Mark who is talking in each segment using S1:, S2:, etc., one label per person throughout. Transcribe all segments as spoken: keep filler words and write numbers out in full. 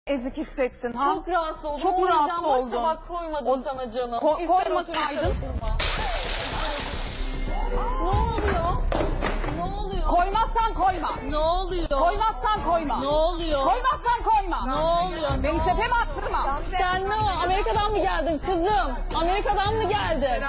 S1: ezik hissettin ha?
S2: Çok rahatsız oldum.
S1: Çok
S2: O yüzden
S1: rahatsız
S2: bak
S1: oldum.
S2: tabak koymadım
S1: O-
S2: sana canım.
S1: Ko-
S2: İster
S1: koymasaydın.
S2: otur, ister oturma. Ne oluyor? Ne oluyor?
S1: Koymazsan koyma.
S2: Ne oluyor?
S1: Koymazsan koyma.
S2: Ne oluyor?
S1: Koymazsan koyma.
S2: Ne oluyor?
S1: Beni tepeme attırma.
S2: Sen ne o? Amerika'dan mı geldin kızım? Amerika'dan mı geldin?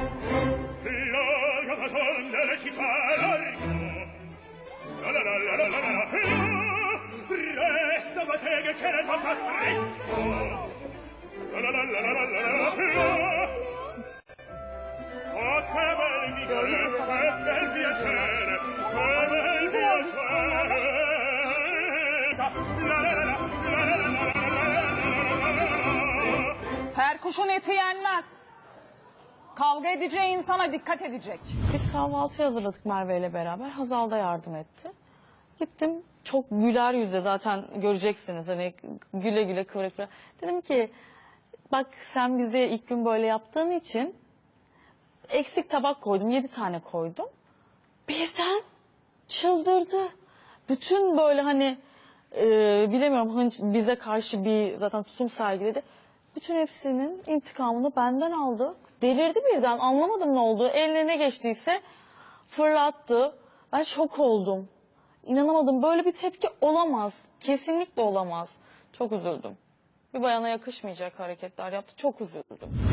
S1: Perkuşun eti yenmez. Kavga edeceği insana dikkat edecek.
S3: Biz kahvaltı hazırladık Merve ile beraber. Hazal da yardım etti. Gittim çok güler yüze, zaten göreceksiniz hani güle güle kıvıra kıvıra. Dedim ki bak sen bize ilk gün böyle yaptığın için eksik tabak koydum, yedi tane koydum. Birden çıldırdı. Bütün böyle hani e, bilemiyorum hınç bize karşı bir zaten tutum sergiledi. Bütün hepsinin intikamını benden aldı. Delirdi birden, anlamadım ne oldu. Eline ne geçtiyse fırlattı. Ben şok oldum. İnanamadım, böyle bir tepki olamaz. Kesinlikle olamaz. Çok üzüldüm. Bir bayana yakışmayacak hareketler yaptı. Çok üzüldüm.